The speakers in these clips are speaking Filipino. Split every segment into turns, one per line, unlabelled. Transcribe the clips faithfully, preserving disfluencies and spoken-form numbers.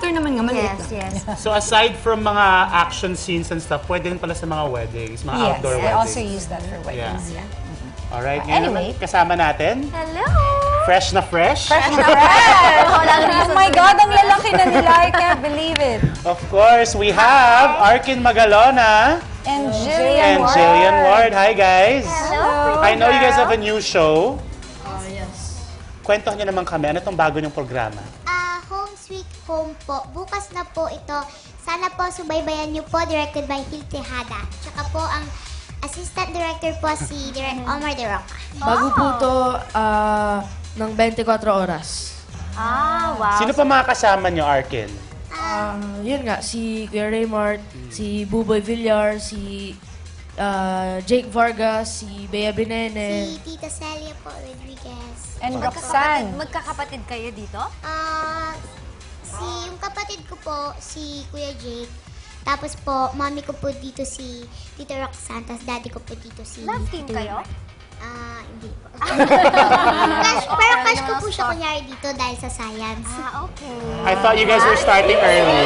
theater naman nga, maliit
Yes,
lang.
yes.
So aside from mga action scenes and stuff, pwede rin pala sa mga weddings, mga
Yes,
outdoor
I
weddings.
also use that for weddings.
Yeah.
Yeah.
Alright,
Uh,
ngayon
anyway.
naman kasama natin,
Hello!
fresh na fresh.
Fresh na fresh! Oh my God, ang lalaki na nila. I can't believe it.
Of course, we have Arkin Magalona
And
and
Jillian Ward.
Jillian Ward. Hi guys!
Hello!
I know you guys have a new show.
Ah, yes.
Kwentuhan niyo naman kami, ano itong bago niyong programa?
Ah, Home Sweet Home po. Bukas na po ito. Sana po subaybayan niyo po, directed by Phil Tejada. Tsaka po ang assistant director po si Direct Omar De Roca.
Bago po to ah, ng twenty-four oras.
Ah, wow.
Sino pa mga kasama niyo, Arkin?
Ah, yun nga, si Kuya Raymart, si Buboy Villar, si ah, Jake Vargas, si Bea Binene.
Si Tita Celia po Rodriguez.
And
Magkakapatid,
Roxanne.
magkakapatid kayo dito?
Ah, si yung kapatid ko po, si Kuya Jake. Tapos po, mami ko po dito si Tita Roxanne. Tapos daddy ko po dito si...
Love team kayo?
Ah, hindi po. Crush, pero crush ko po siya kunyari dito dahil sa science.
Ah, okay.
I thought you guys were starting early.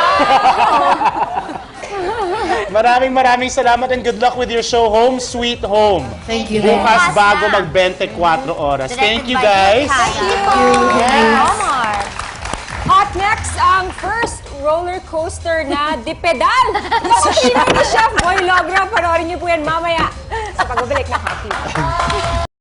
Maraming maraming salamat and good luck with your show, Home Sweet Home.
Thank you.
Bukas
Bukas
bago
na.
mag twenty-four oras. Thank
Directed
you
by
guys.
Tejada. Omar.
Up next, ang first roller coaster na dipedal. Nakapinay ni Chef Boy Logra. Panoorin niyo po yan mamaya sa pagbabalik ng Hot Tea.